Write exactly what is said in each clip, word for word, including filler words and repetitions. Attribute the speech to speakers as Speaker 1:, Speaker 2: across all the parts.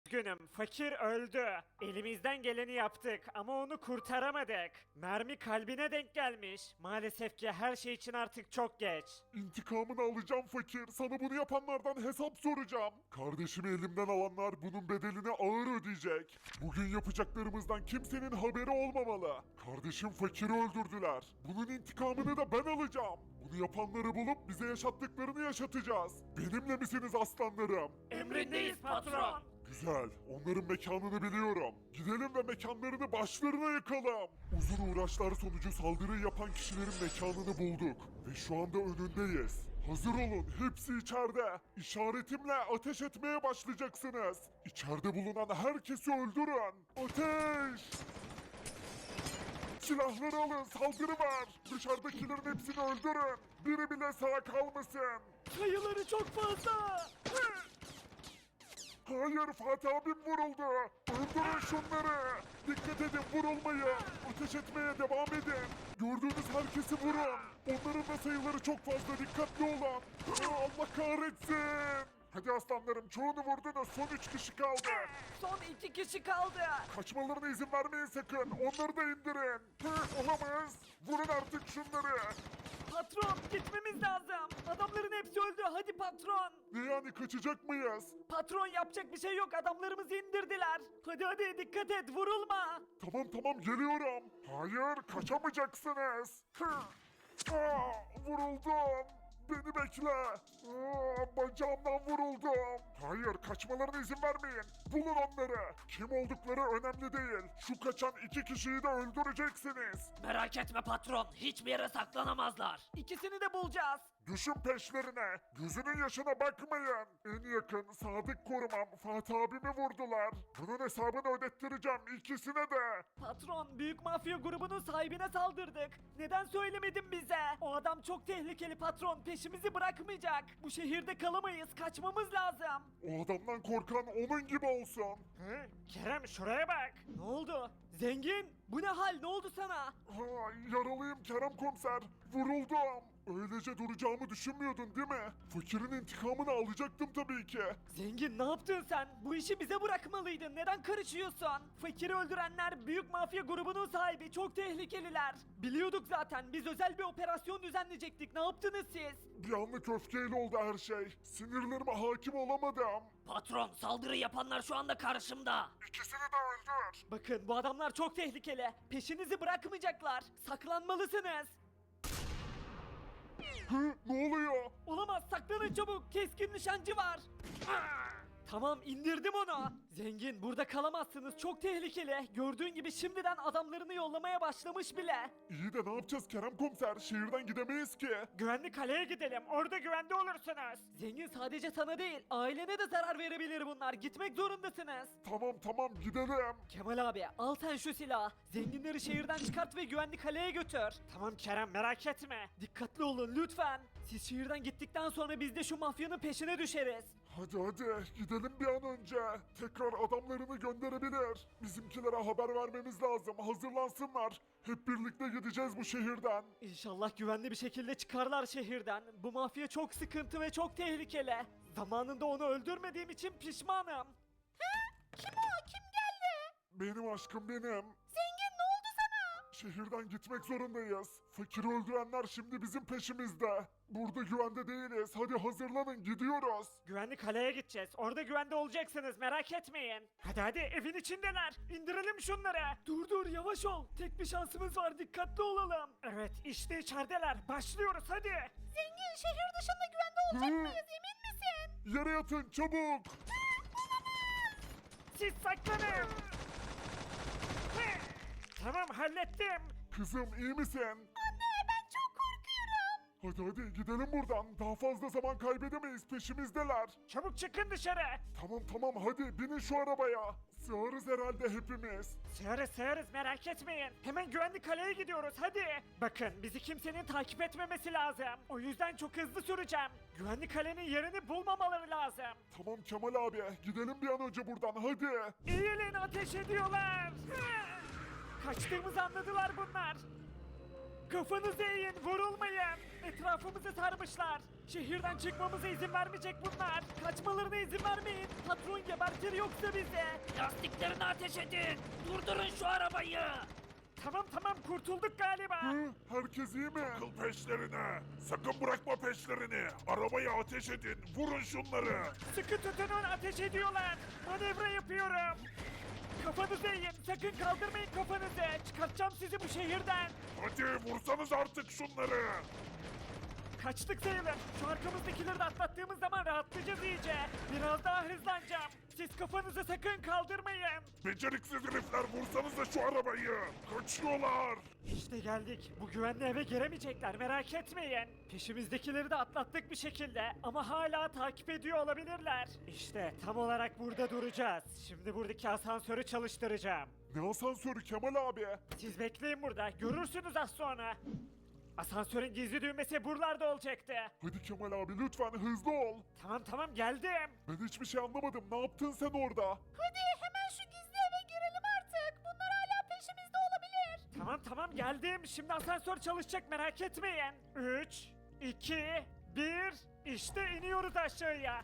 Speaker 1: Üzgünüm, fakir öldü. Elimizden geleni yaptık ama onu kurtaramadık. Mermi kalbine denk gelmiş. Maalesef ki her şey için artık çok geç.
Speaker 2: İntikamını alacağım fakir. Sana bunu yapanlardan hesap soracağım. Kardeşimi elimden alanlar bunun bedelini ağır ödeyecek. Bugün yapacaklarımızdan kimsenin haberi olmamalı. Kardeşim fakiri öldürdüler. Bunun intikamını da ben alacağım. Bunu yapanları bulup bize yaşattıklarını yaşatacağız. Benimle misiniz aslanlarım?
Speaker 1: Emrindeyiz patron.
Speaker 2: Güzel. Onların mekanını biliyorum. Gidelim ve mekanlarını başlarına yakalım. Uzun uğraşlar sonucu saldırıyı yapan kişilerin mekanını bulduk. Ve şu anda önündeyiz. Hazır olun. Hepsi içeride. İşaretimle ateş etmeye başlayacaksınız. İçeride bulunan herkesi öldürün. Ateş! Silahları alın. Saldırı var. Dışarıdakilerin hepsini öldürün. Biri bile sağ kalmasın.
Speaker 1: Sayıları çok fazla.
Speaker 2: Hayır, Fatih abim vuruldu. Öldürün şunları. Dikkat edin, vurulmayın. Ateş etmeye devam edin. Gördüğünüz herkesi vurun. Onların da sayıları çok fazla, dikkatli olun. Allah kahretsin. Hadi aslanlarım, çoğunu vurdunuz. Son üç kişi kaldı.
Speaker 1: Son iki kişi kaldı.
Speaker 2: Kaçmalarına izin vermeyin sakın. Onları da indirin. Hı, olamaz. Vurun artık şunları.
Speaker 1: Patron gitmemiz lazım. Adamların hepsi öldü. Hadi patron.
Speaker 2: Ne yani, kaçacak mıyız?
Speaker 1: Patron yapacak bir şey yok. Adamlarımızı indirdiler. Hadi hadi dikkat et vurulma.
Speaker 2: Tamam tamam, geliyorum. Hayır, kaçamayacaksınız. Hı. Aa, vuruldum. Beni bekle. Aa, bacağımdan vuruldum. Hayır, kaçmalarına izin vermeyin. Bulun onları. Kim oldukları önemli değil. Şu kaçan iki kişiyi de öldüreceksiniz.
Speaker 1: Merak etme patron. Hiçbir yere saklanamazlar. İkisini de bulacağız.
Speaker 2: Düşün peşlerine. Gözünün yaşına bakmayın. En yakın sadık korumam Fatih abimi vurdular. Bunun hesabını ödettireceğim ikisine de.
Speaker 1: Patron, büyük mafya grubunun sahibine saldırdık. Neden söylemedin bize? O adam çok tehlikeli patron. Peşimizi bırakmayacak. Bu şehirde kalamayız. Kaçmamız lazım.
Speaker 2: O adamdan korkan onun gibi olsun.
Speaker 1: Hı? Kerem şuraya bak. Ne oldu? Zengin, bu ne hal? Ne oldu sana?
Speaker 2: Ha, yaralıyım Kerem komiser. Vuruldum. Öylece duracağımı düşünmüyordun değil mi? Fakirin intikamını alacaktım tabii ki.
Speaker 1: Zengin ne yaptın sen? Bu işi bize bırakmalıydın. Neden karışıyorsun? Fakiri öldürenler büyük mafya grubunun sahibi. Çok tehlikeliler. Biliyorduk zaten. Biz özel bir operasyon düzenleyecektik. Ne yaptınız siz?
Speaker 2: Bir anlık öfkeyle oldu her şey. Sinirlerime hakim olamadım.
Speaker 1: Patron, saldırı yapanlar şu anda karşımda.
Speaker 2: İkisini de öldür.
Speaker 1: Bakın bu adamlar çok tehlikeli. Peşinizi bırakmayacaklar. Saklanmalısınız.
Speaker 2: Hı, ne oluyor?
Speaker 1: Olamaz, saklanın çabuk. Keskin nişancı var. Tamam, indirdim onu. Zengin, burada kalamazsınız. Çok tehlikeli. Gördüğün gibi şimdiden adamlarını yollamaya başlamış bile.
Speaker 2: İyi de ne yapacağız Kerem komiser? Şehirden gidemeyiz ki.
Speaker 1: Güvenli kaleye gidelim. Orada güvende olursunuz. Zengin, sadece sana değil, ailene de zarar verebilir bunlar. Gitmek zorundasınız.
Speaker 2: Tamam tamam, gidelim.
Speaker 1: Kemal abi, al sen şu silahı. Zenginleri şehirden çıkart ve güvenli kaleye götür. Tamam Kerem, merak etme. Dikkatli olun lütfen. Siz şehirden gittikten sonra biz de şu mafyanın peşine düşeriz.
Speaker 2: Hadi hadi, gidelim bir an önce. Tekrar adamlarını gönderebilir. Bizimkilere haber vermemiz lazım. Hazırlansınlar. Hep birlikte gideceğiz bu şehirden.
Speaker 1: İnşallah güvenli bir şekilde çıkarlar şehirden. Bu mafya çok sıkıntı ve çok tehlikeli. Zamanında onu öldürmediğim için pişmanım. Kim o? Kim geldi?
Speaker 2: Benim aşkım benim.
Speaker 1: Zengin, ne oldu sana?
Speaker 2: Şehirden gitmek zorundayız. Fakiri öldürenler şimdi bizim peşimizde. Burada güvende değiliz. Hadi hazırlanın, gidiyoruz.
Speaker 1: Güvenli kaleye gideceğiz. Orada güvende olacaksınız, merak etmeyin. Hadi hadi, evin içindeler. İndirelim şunları. Dur dur, yavaş ol. Tek bir şansımız var, dikkatli olalım. Evet, işte içerideler. Başlıyoruz hadi. Zengin, şehir dışında güvende
Speaker 2: olacak Hı?
Speaker 1: mıyız, emin misin?
Speaker 2: Yere yatın çabuk.
Speaker 1: Siz saklanın. Hı. Tamam, hallettim.
Speaker 2: Kızım, iyi misin?
Speaker 1: Ben çok korkuyorum.
Speaker 2: Hadi hadi gidelim buradan. Daha fazla zaman kaybedemeyiz, peşimizdeler.
Speaker 1: Çabuk çıkın dışarı.
Speaker 2: Tamam tamam, hadi binin şu arabaya. Sığarız herhalde hepimiz.
Speaker 1: Sığarız sığarız, merak etmeyin. Hemen güvenli kaleye gidiyoruz hadi. Bakın, bizi kimsenin takip etmemesi lazım. O yüzden çok hızlı süreceğim. Güvenli kalenin yerini bulmamaları lazım.
Speaker 2: Tamam Kemal abi, gidelim bir an önce buradan hadi.
Speaker 1: Eğilin, ateş ediyorlar. Kaçtığımızı anladılar bunlar. Kafanızı eğin, vurulmayın. Etrafımızı sarmışlar. Şehirden çıkmamıza izin vermeyecek bunlar. Kaçmalarına izin vermeyin. Patron gebertir yoksa bize.
Speaker 3: Lastiklerini ateş edin. Durdurun şu arabayı.
Speaker 1: Tamam tamam kurtulduk galiba.
Speaker 2: Hı, herkes iyi mi?
Speaker 4: Takıl peşlerine. Sakın bırakma peşlerini. Arabaya ateş edin. Vurun şunları.
Speaker 1: Sıkı tutunun, ateş ediyorlar. Manevra yapıyorum. Kafanızı eğin, sakın kaldırmayın kafanızı. Çıkartacağım sizi bu şehirden.
Speaker 4: Hadi vursanız artık şunları.
Speaker 1: Kaçtık sayılır. Şu arkamızdakileri de atlattığımız zaman rahatlayacağız iyice. Biraz daha hızlanacağım. Siz kafanızı sakın kaldırmayın.
Speaker 4: Beceriksiz herifler vursanıza şu arabayı. Kaçıyorlar.
Speaker 1: İşte geldik. Bu güvenli eve giremeyecekler, merak etmeyin. Peşimizdekileri de atlattık bir şekilde ama hala takip ediyor olabilirler. İşte tam olarak burada duracağız. Şimdi buradaki asansörü çalıştıracağım.
Speaker 2: Ne asansörü Kemal abi?
Speaker 1: Siz bekleyin burada, görürsünüz az sonra. Asansörün gizli düğmesi buralarda olacaktı.
Speaker 2: Hadi Kemal abi lütfen hızlı ol.
Speaker 1: Tamam tamam geldim.
Speaker 2: Ben hiçbir şey anlamadım. Ne yaptın sen orada?
Speaker 5: Hadi hemen şu gizli eve girelim artık. Bunlar hala peşimizde olabilir.
Speaker 1: Tamam tamam geldim. Şimdi asansör çalışacak, merak etmeyin. üç, iki, bir. İşte iniyoruz aşağıya.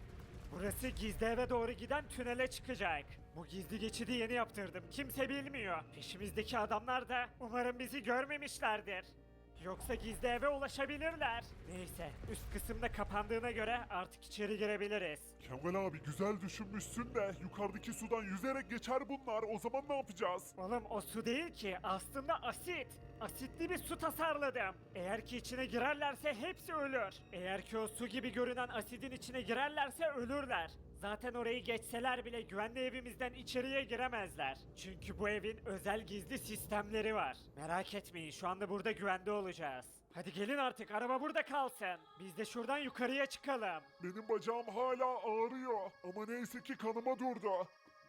Speaker 1: Burası gizli eve doğru giden tünele çıkacak. Bu gizli geçidi yeni yaptırdım. Kimse bilmiyor. Peşimizdeki adamlar da umarım bizi görmemişlerdir. Yoksa gizli eve ulaşabilirler. Neyse, üst kısımda kapandığına göre artık içeri girebiliriz.
Speaker 2: Kemal abi güzel düşünmüşsün de yukarıdaki sudan yüzerek geçer bunlar. O zaman ne yapacağız?
Speaker 1: Oğlum o su değil ki, aslında asit. Asitli bir su tasarladım. Eğer ki içine girerlerse hepsi ölür. Eğer ki o su gibi görünen asidin içine girerlerse ölürler. Zaten orayı geçseler bile güvenli evimizden içeriye giremezler. Çünkü bu evin özel gizli sistemleri var. Merak etmeyin, şu anda burada güvende olacağız. Hadi gelin artık, araba burada kalsın. Biz de şuradan yukarıya çıkalım.
Speaker 2: Benim bacağım hala ağrıyor. Ama neyse ki kanıma durdu.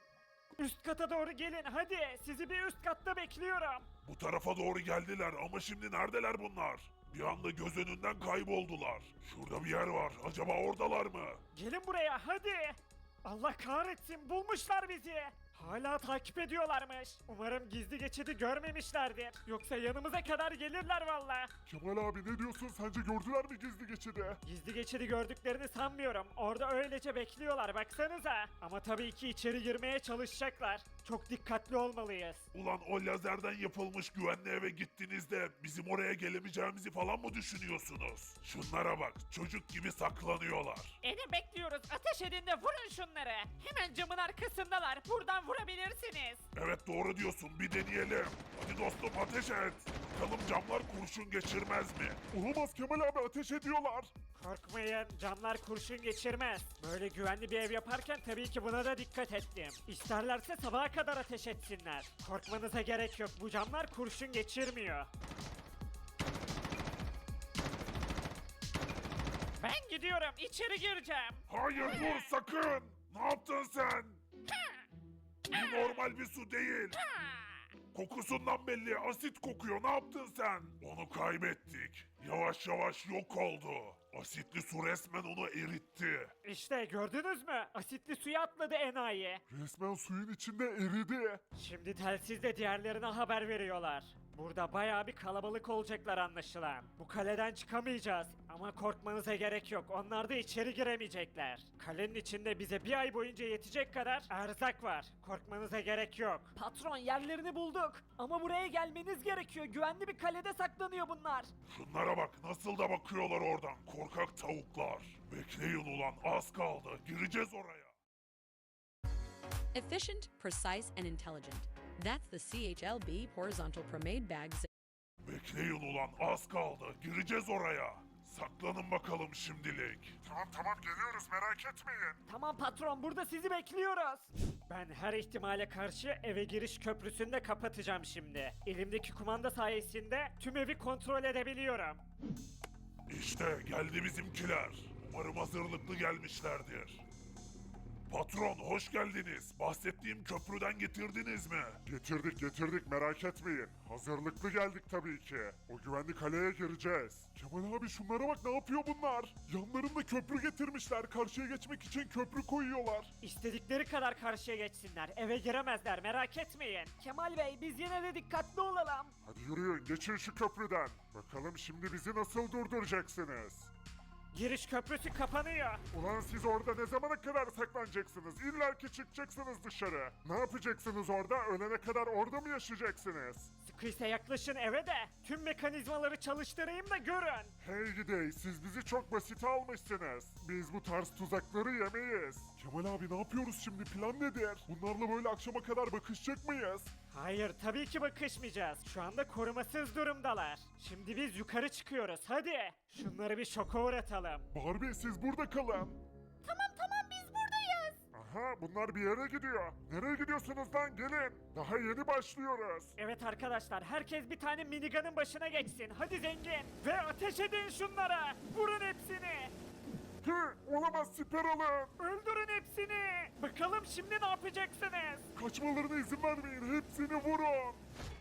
Speaker 1: Üst kata doğru gelin hadi, sizi bir üst katta bekliyorum.
Speaker 4: Bu tarafa doğru geldiler ama şimdi neredeler bunlar? Bir anda göz önünden kayboldular. Şurada bir yer var. Acaba oradalar mı?
Speaker 1: Gelin buraya hadi. Allah kahretsin, bulmuşlar bizi. Hala takip ediyorlarmış. Umarım gizli geçidi görmemişlerdir. Yoksa yanımıza kadar gelirler valla.
Speaker 2: Kemal abi ne diyorsun? Sence gördüler mi gizli geçidi?
Speaker 1: Gizli geçidi gördüklerini sanmıyorum. Orada öylece bekliyorlar, baksanıza. Ama tabii ki içeri girmeye çalışacaklar. Çok dikkatli olmalıyız.
Speaker 4: Ulan o lazerden yapılmış güvenli eve gittiğinizde bizim oraya gelemeyeceğimizi falan mı düşünüyorsunuz? Şunlara bak, çocuk gibi saklanıyorlar.
Speaker 3: Edin bekliyoruz. Ateş edin de vurun şunları. Hemen camın arkasındalar. Buradan vurabilirsiniz.
Speaker 4: Evet doğru diyorsun, bir deneyelim. Hadi dostum ateş et. Bakalım camlar kurşun geçirmez mi?
Speaker 2: Olamaz Kemal abi ateş ediyorlar.
Speaker 1: Korkmayın, camlar kurşun geçirmez. Böyle güvenli bir ev yaparken tabii ki buna da dikkat ettim. İsterlerse sabaha kadar ateş etsinler. Korkmanıza gerek yok, bu camlar kurşun geçirmiyor. Ben gidiyorum, içeri gireceğim.
Speaker 4: Hayır dur sakın. Ne yaptın sen? Bu normal bir su değil. Kokusundan belli asit kokuyor. Ne yaptın sen? Onu kaybettik. Yavaş yavaş yok oldu. Asitli su resmen onu eritti.
Speaker 1: İşte gördünüz mü? Asitli suya atladı enayi.
Speaker 2: Resmen suyun içinde eridi.
Speaker 1: Şimdi telsizle diğerlerine haber veriyorlar. Burada bayağı bir kalabalık olacaklar anlaşılan. Bu kaleden çıkamayacağız ama korkmanıza gerek yok. Onlar da içeri giremeyecekler. Kalenin içinde bize bir ay boyunca yetecek kadar erzak var. Korkmanıza gerek yok. Patron, yerlerini bulduk. Ama buraya gelmeniz gerekiyor. Güvenli bir kalede saklanıyor bunlar.
Speaker 4: Şunlara bak nasıl da bakıyorlar oradan. Korkak tavuklar. Bekleyin ulan az kaldı. Gireceğiz oraya.
Speaker 6: Efficient, precise, and intelligent. That's the C H L B horizontal pomade bags.
Speaker 4: Bekleyin ulan az kaldı. Gireceğiz oraya. Saklanın bakalım şimdilik.
Speaker 2: Tamam tamam geliyoruz merak etmeyin.
Speaker 1: Tamam patron, burada sizi bekliyoruz. Ben her ihtimale karşı eve giriş köprüsünü de kapatacağım şimdi. Elimdeki kumanda sayesinde tüm evi kontrol edebiliyorum.
Speaker 4: İşte geldi bizimkiler. Umarım hazırlıklı gelmişlerdir. Patron hoş geldiniz. Bahsettiğim köprüden getirdiniz mi?
Speaker 2: Getirdik getirdik merak etmeyin. Hazırlıklı geldik tabii ki. O güvenli kaleye gireceğiz. Kemal abi şunlara bak ne yapıyor bunlar? Yanlarında köprü getirmişler. Karşıya geçmek için köprü koyuyorlar.
Speaker 1: İstedikleri kadar karşıya geçsinler. Eve giremezler, merak etmeyin. Kemal Bey, biz yine de dikkatli olalım.
Speaker 2: Hadi yürüyün geçin şu köprüden. Bakalım şimdi bizi nasıl durduracaksınız?
Speaker 1: Giriş köprüsü kapanıyor.
Speaker 2: Ulan siz orada ne zamana kadar saklanacaksınız? İlla ki çıkacaksınız dışarı. Ne yapacaksınız orada? Ölene kadar orada mı yaşayacaksınız?
Speaker 1: Sıkıysa yaklaşın eve de tüm mekanizmaları çalıştırayım da görün.
Speaker 2: Hey gidey, siz bizi çok basite almışsınız. Biz bu tarz tuzakları yemeyiz. Kemal abi ne yapıyoruz şimdi? Plan nedir? Bunlarla böyle akşama kadar bakışacak mıyız?
Speaker 1: Hayır tabii ki bakışmayacağız. Şu anda korumasız durumdalar. Şimdi biz yukarı çıkıyoruz hadi. Şunları bir şoka uğratalım.
Speaker 2: Barbie siz burada kalın.
Speaker 5: Tamam tamam biz buradayız.
Speaker 2: Aha bunlar bir yere gidiyor. Nereye gidiyorsunuz lan gelin. Daha yeni başlıyoruz.
Speaker 1: Evet arkadaşlar herkes bir tane minigun'ın başına geçsin. Hadi zengin. Ve ateş edin şunlara. Vurun hepsini.
Speaker 2: Hı, olamaz siper alın.
Speaker 1: Öldürün hepsini. Bakalım şimdi ne yapacaksınız?
Speaker 2: Kaçmalarına izin vermeyin. Hepsini vurun.